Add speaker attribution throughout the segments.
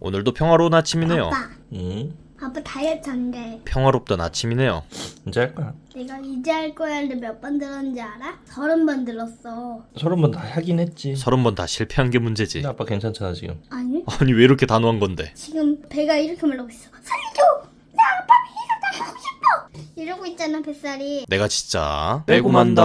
Speaker 1: 오늘도 평화로운 아침이네요.
Speaker 2: 아빠,
Speaker 3: 응?
Speaker 2: 아빠 다이어트 한대.
Speaker 1: 평화롭던 아침이네요.
Speaker 3: 이제 할 거야.
Speaker 2: 내가 이제 할 거야를 몇 번 들었는지 알아? 30번 들었어.
Speaker 3: 30번 다 하긴 했지.
Speaker 1: 30번 다 실패한 게 문제지.
Speaker 3: 근데 아빠 괜찮잖아 지금.
Speaker 2: 아니?
Speaker 1: 아니 왜 이렇게 단호한 건데?
Speaker 2: 지금 배가 이렇게 말하고 있어. 살려줘! 나 아빠 배가 나가고 싶어! 이러고 있잖아, 뱃살이.
Speaker 1: 내가 진짜
Speaker 3: 빼고
Speaker 1: 빼고만다.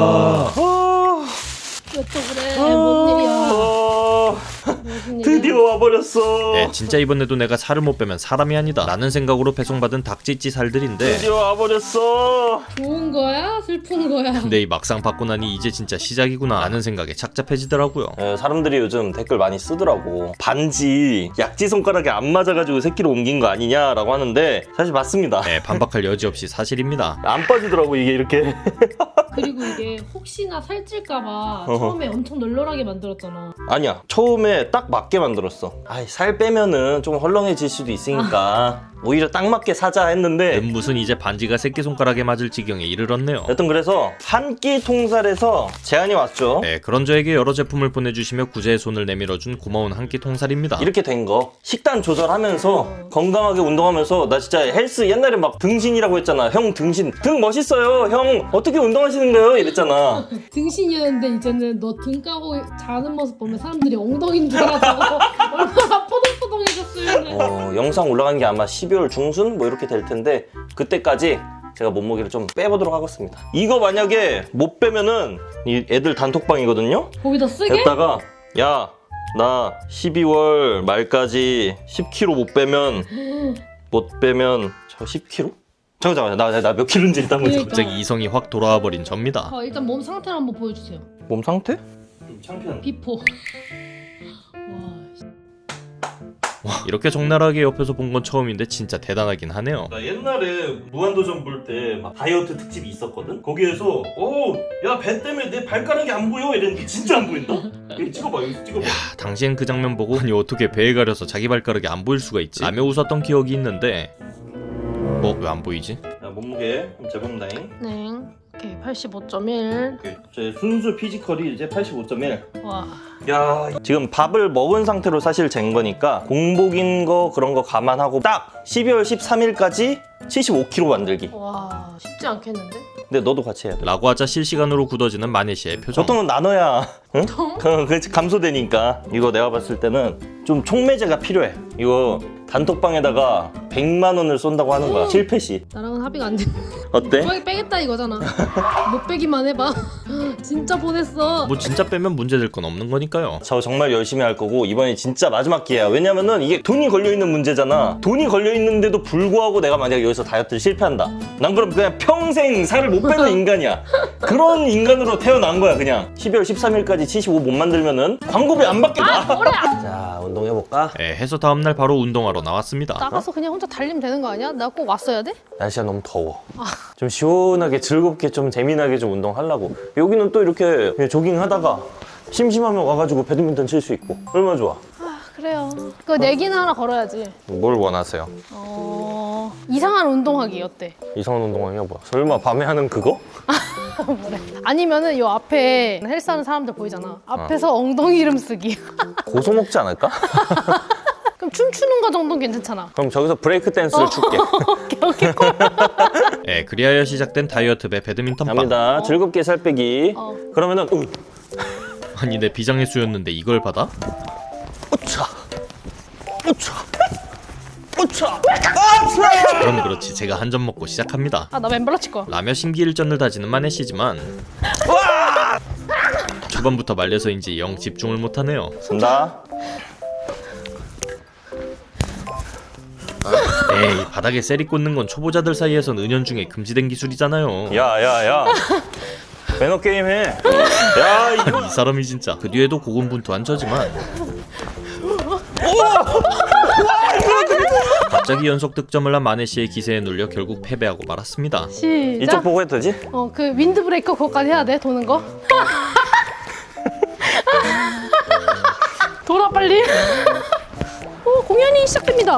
Speaker 4: 왜 또 그래? 뭔 일이야? 무슨 일이야?
Speaker 3: 드디어 와버렸어.
Speaker 1: 네, 진짜 이번에도 내가 살을 못 빼면 사람이 아니다 라는 생각으로 배송받은 닭찌찌 살들인데,
Speaker 3: 드디어 와버렸어.
Speaker 4: 좋은 거야? 슬픈 거야?
Speaker 1: 근데 이 막상 받고 나니 이제 진짜 시작이구나 라는 생각에 착잡해지더라고요.
Speaker 3: 사람들이 요즘 댓글 많이 쓰더라고. 반지 약지 손가락에 안 맞아가지고 새끼로 옮긴 거 아니냐라고 하는데 사실 맞습니다.
Speaker 1: 네, 반박할 여지 없이 사실입니다.
Speaker 3: 안 빠지더라고 이게 이렇게.
Speaker 4: 그리고 이게 혹시나 살찔까봐 처음에 엄청 널널하게 만들었잖아.
Speaker 3: 아니야, 처음에 딱 맞게 만들었어. 아이, 살 빼면은 좀 헐렁해질 수도 있으니까 오히려 딱 맞게 사자 했는데
Speaker 1: 무슨 이제 반지가 새끼손가락에 맞을 지경에 이르렀네요.
Speaker 3: 여튼 그래서 한 끼 통살에서 제안이 왔죠.
Speaker 1: 네, 그런 저에게 여러 제품을 보내주시며 구제의 손을 내밀어준 고마운 한 끼 통살입니다.
Speaker 3: 이렇게 된 거 식단 조절하면서 건강하게 운동하면서 나 진짜 헬스 옛날에 막 등신이라고 했잖아. 형 등신 등 멋있어요. 형 어떻게 운동하시는 거예요? 이랬잖아.
Speaker 4: 등신이었는데 이제는 너 등 까고 자는 모습 보면 사람들이 엉덩이인 줄 알아서 얼마나 포동포동해졌으면.
Speaker 3: 영상 올라간 게 아마 12월 중순 뭐 이렇게 될 텐데 그때까지 제가 몸무게를 좀 빼보도록 하겠습니다. 이거 만약에 못 빼면은 이 애들 단톡방이거든요.
Speaker 4: 거기다 쓰게?
Speaker 3: 했다가 야 나 12월 말까지 10kg 못 빼면 저 10kg? 잠깐만 나 몇 킬로인지 일단 보자.
Speaker 4: 그러니까.
Speaker 1: 갑자기 이성이 확 돌아와 버린 접니다.
Speaker 4: 일단 몸 상태를 한번 보여주세요.
Speaker 3: 몸 상태? 좀 창피한.
Speaker 4: 비포. 와,
Speaker 1: 이렇게 적나라하게 옆에서 본 건 처음인데 진짜 대단하긴 하네요.
Speaker 3: 나 옛날에 무한도전 볼 때 막 다이어트 특집이 있었거든? 거기에서 야 배 때문에 내 발가락이 안 보여 이랬는데 진짜 안 보인다? 여기 찍어봐 여기 찍어봐.
Speaker 1: 당시엔 그 장면 보고 아니 어떻게 배에 가려서 자기 발가락이 안 보일 수가 있지? 라며 웃었던 기억이 있는데 왜 안 보이지?
Speaker 3: 자 몸무게 한번 재봅니다잉.
Speaker 4: 네. 오케이, 85.1.
Speaker 3: 제 순수 피지컬이 이제 85.1.
Speaker 4: 와.
Speaker 3: 야 지금 밥을 먹은 상태로 사실 잰 거니까 공복인 거 그런 거 감안하고 딱 12월 13일까지 75kg 만들기.
Speaker 4: 와, 쉽지 않겠는데?
Speaker 3: 근데 너도 같이 해야 돼.
Speaker 1: 라고 하자 실시간으로 굳어지는 마네시의 표정.
Speaker 3: 보통은 나눠야 응? 그 감소되니까. 이거 내가 봤을 때는 좀 촉매제가 필요해. 이거 단톡방에다가 100만 원을 쏜다고 하는 거야. 실패 시.
Speaker 4: 나랑은 합의가 안 돼.
Speaker 3: 어때?
Speaker 4: 빼겠다 이거잖아. 못 빼기만 해봐. 진짜 보냈어.
Speaker 1: 뭐 진짜 빼면 문제될 건 없는 거니까요.
Speaker 3: 저 정말 열심히 할 거고 이번이 진짜 마지막 기회야. 왜냐면은 이게 돈이 걸려있는 문제잖아. 돈이 걸려있는데도 불구하고 내가 만약에 여기서 다이어트를 실패한다. 난 그럼 그냥 평생 살을 못 빼는 인간이야. 그런 인간으로 태어난 거야 그냥. 12월 13일까지 75 못 만들면은 광고비 안 받겠다. 자 운동해볼까?
Speaker 1: 네, 해서 다음날 바로 운동하러 나왔습니다.
Speaker 4: 나가서 그냥 혼자 달리면 되는 거 아니야? 나 꼭 왔어야 돼?
Speaker 3: 날씨가 너무 더워. 좀 시원하게 즐겁게 좀 재미나게 좀 운동하려고. 여기는 또 이렇게 그냥 조깅하다가 심심하면 와가지고 배드민턴 칠 수 있고 얼마나 좋아.
Speaker 4: 그래요. 그거 내기는 하나 걸어야지.
Speaker 3: 뭘 원하세요?
Speaker 4: 이상한 운동하기 어때?
Speaker 3: 이상한 운동하기가 뭐야? 설마 밤에 하는 그거?
Speaker 4: 아니면은 요 앞에 헬스하는 사람들 보이잖아. 앞에서 엉덩이 이름 쓰기.
Speaker 3: 고소 먹지 않을까?
Speaker 4: 그럼 춤추는 거 정도는 괜찮잖아.
Speaker 3: 그럼 저기서 브레이크 댄스를 출게.
Speaker 4: 오케이.
Speaker 1: 네, 그리하여 시작된 다이어트 배 배드민턴방.
Speaker 3: 갑니다. 즐겁게 살 빼기. 그러면은
Speaker 1: 아니 내 비장의 수였는데 이걸 받아?
Speaker 3: 우차 우차 우차.
Speaker 1: 그럼 그렇지, 제가 한 점 먹고 시작합니다.
Speaker 4: 나 맨발로 칠 거야.
Speaker 1: 라며 심기일전을 다지는 마네시지만 초반부터 말려서인지 영 집중을 못하네요.
Speaker 3: 간다.
Speaker 1: 에이, 바닥에 셀이 꽂는 건 초보자들 사이에선 은연중에 금지된 기술이잖아요.
Speaker 3: 야야야. 매너 게임 해. 야 이거
Speaker 1: 이 사람이 진짜. 그 뒤에도 고군분투한 저지만 갑자기 연속 득점을 한 마네시의 기세에 눌려 결국 패배하고 말았습니다.
Speaker 3: 이쪽
Speaker 4: 시작.
Speaker 3: 보고 해도 되지?
Speaker 4: 그 윈드 브레이커 그거까지 해야 돼. 도는 거. 돌아 빨리. 공연이 시작됩니다.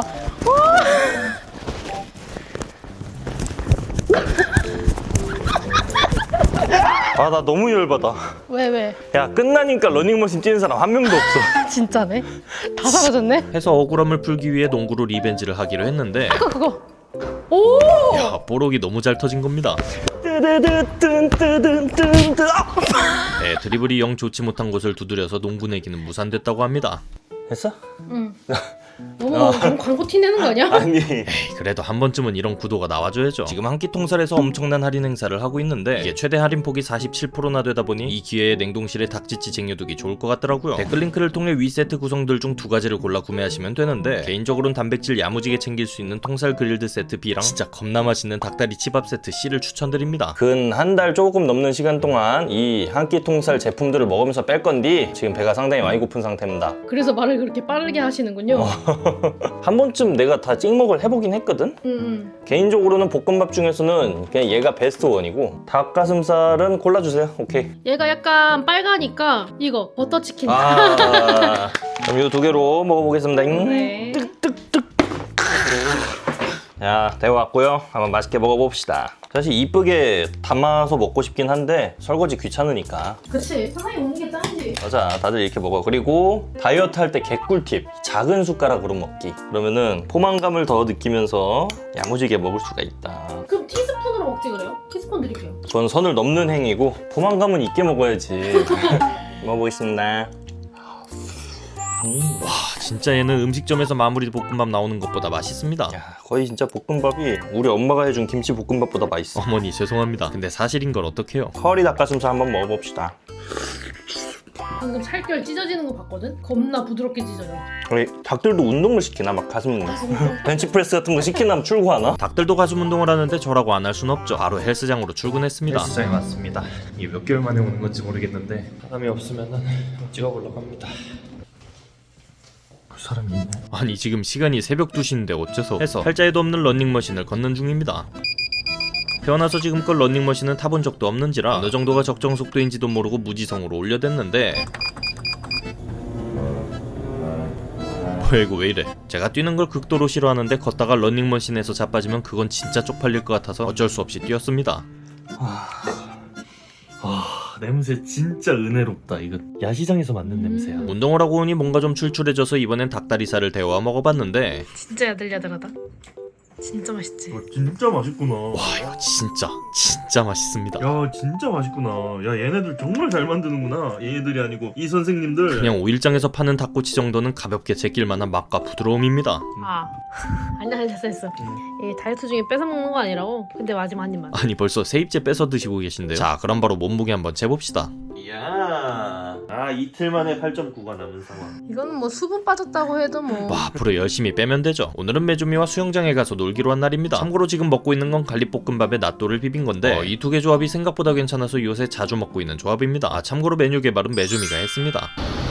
Speaker 3: 아, 나 너무 열받아.
Speaker 4: 왜?
Speaker 3: 야, 끝나니까 러닝머신 뛰는 사람 한 명도 없어.
Speaker 4: 진짜네? 다 사라졌네?
Speaker 1: 해서 억울함을 풀기 위해 농구로 리벤지를 하기로 했는데
Speaker 4: 그거. 오!
Speaker 1: 야, 뽀록이 너무 잘 터진 겁니다. 네, 드리블이 영 좋지 못한 곳을 두드려서 농구 내기는 무산됐다고 합니다.
Speaker 3: 했어?
Speaker 4: 응. 너무 광고 티 내는 거 아니야?
Speaker 3: 아니.
Speaker 1: 에이, 그래도 한 번쯤은 이런 구도가 나와줘야죠. 지금 한 끼 통살에서 엄청난 할인 행사를 하고 있는데 이게 최대 할인폭이 47%나 되다 보니 이 기회에 냉동실에 닭지치 쟁여두기 좋을 것 같더라고요. 댓글 링크를 통해 위 세트 구성들 중 2가지를 골라 구매하시면 되는데 개인적으로는 단백질 야무지게 챙길 수 있는 통살 그릴드 세트 B랑 진짜 겁나 맛있는 닭다리 치밥 세트 C를 추천드립니다.
Speaker 3: 근 한 달 조금 넘는 시간 동안 이 한 끼 통살 제품들을 먹으면서 뺄 건디 지금 배가 상당히 많이 고픈 상태입니다.
Speaker 4: 그래서 말을 그렇게 빠르게 하시는군요.
Speaker 3: 한 번쯤 내가 다 찍먹을 해보긴 했거든? 개인적으로는 볶음밥 중에서는 그냥 얘가 베스트 원이고 닭가슴살은 골라주세요. 오케이.
Speaker 4: 얘가 약간 빨가니까 이거 버터치킨.
Speaker 3: 아, 그럼 이 2개로 먹어보겠습니다.
Speaker 4: 네.
Speaker 3: 자, 데워왔고요. 한번 맛있게 먹어봅시다. 사실 이쁘게 담아서 먹고 싶긴 한데 설거지 귀찮으니까.
Speaker 4: 그치. 사장님 먹는 게 짱이지.
Speaker 3: 맞아, 다들 이렇게 먹어. 그리고 다이어트 할 때 개꿀팁, 작은 숟가락으로 먹기. 그러면은 포만감을 더 느끼면서 야무지게 먹을 수가 있다.
Speaker 4: 그럼 티스푼으로 먹지 그래요? 티스푼 드릴게요.
Speaker 3: 그건 선을 넘는 행위고 포만감은 있게 먹어야지. 먹어보겠습니다.
Speaker 1: 와, 진짜 얘는 음식점에서 마무리 볶음밥 나오는 것보다 맛있습니다.
Speaker 3: 야, 거의 진짜 볶음밥이 우리 엄마가 해준 김치 볶음밥보다 맛있어.
Speaker 1: 어머니 죄송합니다. 근데 사실인 걸 어떡해요?
Speaker 3: 커리 닭가슴살 한번 먹어봅시다.
Speaker 4: 방금 살결 찢어지는 거 봤거든? 겁나 부드럽게 찢어져.
Speaker 3: 우리 닭들도 운동을 시키나? 막 가슴 운동. 벤치프레스 같은 거 시키나 출구하나?
Speaker 1: 닭들도 가슴 운동을 하는데 저라고 안 할 순 없죠. 바로 헬스장으로 출근했습니다.
Speaker 5: 헬스장에 왔습니다. 이게 몇 개월 만에 오는 건지 모르겠는데 사람이 없으면은 찍어보려고 합니다. 그 사람이 있네.
Speaker 1: 아니 지금 시간이 새벽 2시인데 어째서 해서 팔자에도 없는 런닝머신을 걷는 중입니다. 태어나서 지금껏 런닝머신은 타본 적도 없는지라 어느 정도가 적정 속도인지도 모르고 무지성으로 올려댔는데 뭐야 이거 왜 이래. 제가 뛰는 걸 극도로 싫어하는데 걷다가 런닝머신에서 자빠지면 그건 진짜 쪽팔릴 것 같아서 어쩔 수 없이 뛰었습니다.
Speaker 5: 냄새 진짜 은혜롭다. 이거 야시장에서 맡는 냄새야.
Speaker 1: 운동을 하고 오니 뭔가 좀 출출해져서 이번엔 닭다리살을 데워 먹어봤는데
Speaker 4: 진짜 야들야들하다. 진짜 맛있지.
Speaker 5: 진짜 맛있구나.
Speaker 1: 와 이거 진짜 맛있습니다.
Speaker 5: 야 진짜 맛있구나. 야 얘네들 정말 잘 만드는구나. 얘네들이 아니고 이 선생님들.
Speaker 1: 그냥 오일장에서 파는 닭꼬치 정도는 가볍게 제낄만한 맛과 부드러움입니다.
Speaker 4: 아니야 됐어. 이 다이어트 중에 뺏어 먹는 거 아니라고. 근데 마지막 한 입만.
Speaker 1: 아니 벌써 세입제 뺏어 드시고 계신데요. 자 그럼 바로 몸무게 한번 재봅시다.
Speaker 5: 이야. 아 이틀 만에 8.9가 남은 상황.
Speaker 4: 이거는 뭐 수분 빠졌다고 해도 뭐.
Speaker 1: 와 앞으로 열심히 빼면 되죠. 오늘은 메주미와 수영장에 가서 놀기로 한 날입니다. 참고로 지금 먹고 있는 건 갈릭볶음밥에 낫또를 비빈 건데 이 2개 조합이 생각보다 괜찮아서 요새 자주 먹고 있는 조합입니다. 아 참고로 메뉴 개발은 메주미가 했습니다.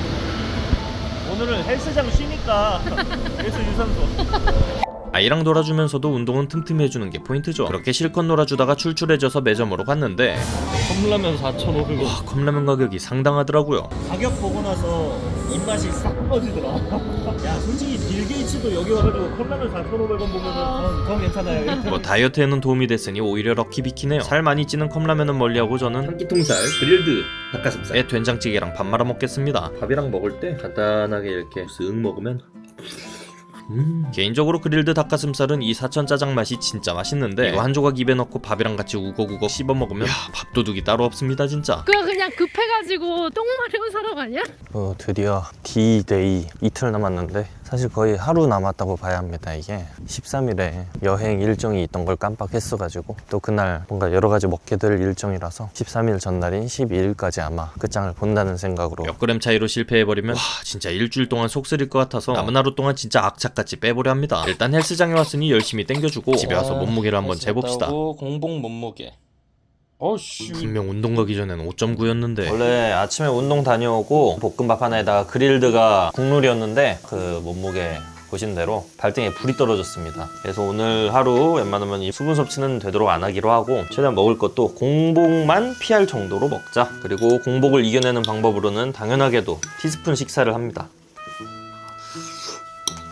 Speaker 5: 오늘은 헬스장 쉬니까 그래서 유산소.
Speaker 1: 아이랑 놀아주면서도 운동은 틈틈이 해주는 게 포인트죠. 그렇게 실컷 놀아주다가 출출해져서 매점으로 갔는데
Speaker 5: 컵라면 4,500원.
Speaker 1: 와 컵라면 가격이 상당하더라고요.
Speaker 5: 가격 보고 나서 입맛이 싹 꺼지더라. 야 솔직히 빌 게이츠도 여기 와가지고 컵라면 4,500원 보면은 더 괜찮아요.
Speaker 1: 뭐 다이어트에는 도움이 됐으니 오히려 럭키비키네요. 살 많이 찌는 컵라면은 멀리하고 저는
Speaker 5: 한 끼 통살 그릴드 닭가슴살.
Speaker 1: 애 된장찌개랑 밥 말아 먹겠습니다.
Speaker 5: 밥이랑 먹을 때 간단하게 이렇게 쓱 먹으면
Speaker 1: 개인적으로 그릴드 닭가슴살은 이 사천 짜장 맛이 진짜 맛있는데 이거 한 조각 입에 넣고 밥이랑 같이 우걱우걱 씹어 먹으면 밥도둑이 따로 없습니다 진짜.
Speaker 4: 그냥 급해가지고 똥 마려운 사람 아니야?
Speaker 3: 드디어 D-Day 이틀 남았는데 사실 거의 하루 남았다고 봐야 합니다. 이게 13일에 여행 일정이 있던 걸 깜빡했어가지고 또 그날 뭔가 여러 가지 먹게 될 일정이라서 13일 전날인 12일까지 아마 끝장을 본다는 생각으로.
Speaker 1: 몇 그램 차이로 실패해버리면 와 진짜 일주일 동안 속 쓰릴 것 같아서 남은 하루 동안 진짜 악착같이 빼보려 합니다. 일단 헬스장에 왔으니 열심히 땡겨주고 집에 와서 몸무게를 한번 재봅시다.
Speaker 3: 공복 몸무게. 어씨.
Speaker 1: 분명 운동 가기 전엔 5.9였는데
Speaker 3: 원래 아침에 운동 다녀오고 볶음밥 하나에다가 그릴드가 국룰이었는데 그 몸무게 보신 대로 발등에 불이 떨어졌습니다. 그래서 오늘 하루 웬만하면 이 수분 섭취는 되도록 안 하기로 하고 최대한 먹을 것도 공복만 피할 정도로 먹자. 그리고 공복을 이겨내는 방법으로는 당연하게도 티스푼 식사를 합니다.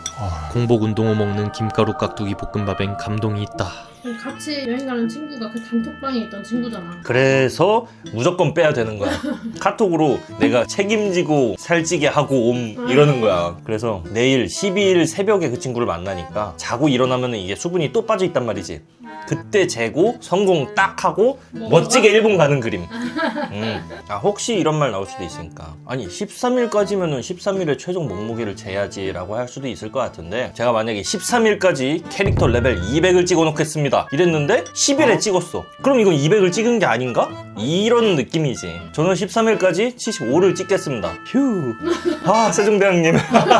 Speaker 1: 공복 운동호 먹는 김가루 깍두기 볶음밥엔 감동이 있다.
Speaker 4: 같이 여행 가는 친구가 그 단톡방에 있던 친구잖아.
Speaker 3: 그래서 무조건 빼야 되는 거야. 카톡으로 내가 책임지고 살찌게 하고 옴 이러는 거야. 그래서 내일 12일 새벽에 그 친구를 만나니까 자고 일어나면 이게 수분이 또 빠져 있단 말이지. 그때 재고 성공 딱 하고 멋지게 일본 가는 그림. 아, 혹시 이런 말 나올 수도 있으니까, 아니 13일까지면은 13일에 최종 몸무게를 재야지 라고 할 수도 있을 것 같은데, 제가 만약에 13일까지 캐릭터 레벨 200을 찍어 놓겠습니다 이랬는데 10일에 찍었어. 그럼 이건 200을 찍은 게 아닌가? 이런 느낌이지. 저는 13일까지 75를 찍겠습니다. 휴. 아, 세종대왕님.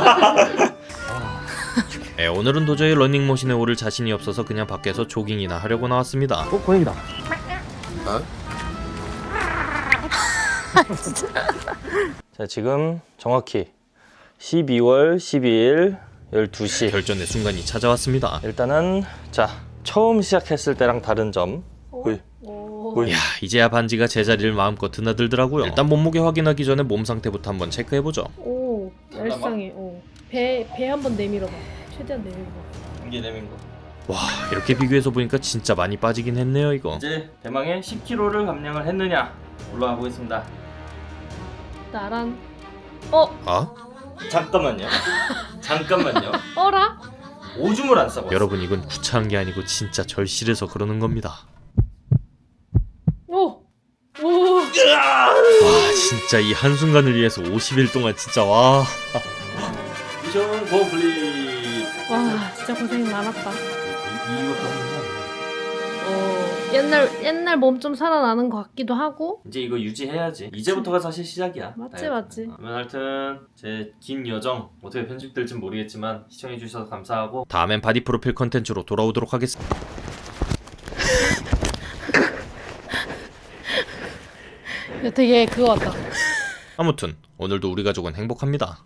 Speaker 1: 오늘은 도저히 러닝머신에 오를 자신이 없어서 그냥 밖에서 조깅이나 하려고 나왔습니다.
Speaker 5: 고양이다.
Speaker 3: 자, 지금 정확히 12월 12일 12시.
Speaker 1: 결전의 순간이 찾아왔습니다.
Speaker 3: 일단은 자, 처음 시작했을 때랑 다른 점.
Speaker 1: 야, 이제야 반지가 제자리를 마음껏 드나들더라고요. 일단 몸무게 확인하기 전에 몸 상태부터 한번 체크해보죠.
Speaker 4: 오, 얄쌍해. 배 한번 내밀어봐. 최대한 내밀어봐.
Speaker 3: 이게 내민 거.
Speaker 1: 와, 이렇게 비교해서 보니까 진짜 많이 빠지긴 했네요 이거.
Speaker 3: 이제 대망의 10kg를 감량을 했느냐 올라가 보겠습니다.
Speaker 4: 나란
Speaker 1: 아?
Speaker 3: 잠깐만요. 잠깐만요.
Speaker 4: 어라?
Speaker 3: 오줌을 안 싸봤어.
Speaker 1: 여러분, 이건 구차한 게 아니고 진짜 절실해서 그러는 겁니다.
Speaker 4: 오!
Speaker 1: 와, 진짜 이 한순간을 위해서 50일 동안 진짜 와.
Speaker 3: 미션 컴플릿.
Speaker 4: 와, 진짜 고생 많았다.
Speaker 3: 이것도
Speaker 4: 옛날 몸 좀 살아나는 것 같기도 하고.
Speaker 3: 이제 이거 유지해야지. 이제부터가 사실 시작이야.
Speaker 4: 맞지.
Speaker 3: 그러면 하여튼 제 긴 여정 어떻게 편집될진 모르겠지만 시청해주셔서 감사하고,
Speaker 1: 다음엔 바디 프로필 컨텐츠로 돌아오도록 하겠습니다.
Speaker 4: 되게 그거 같다.
Speaker 1: 아무튼 오늘도 우리 가족은 행복합니다.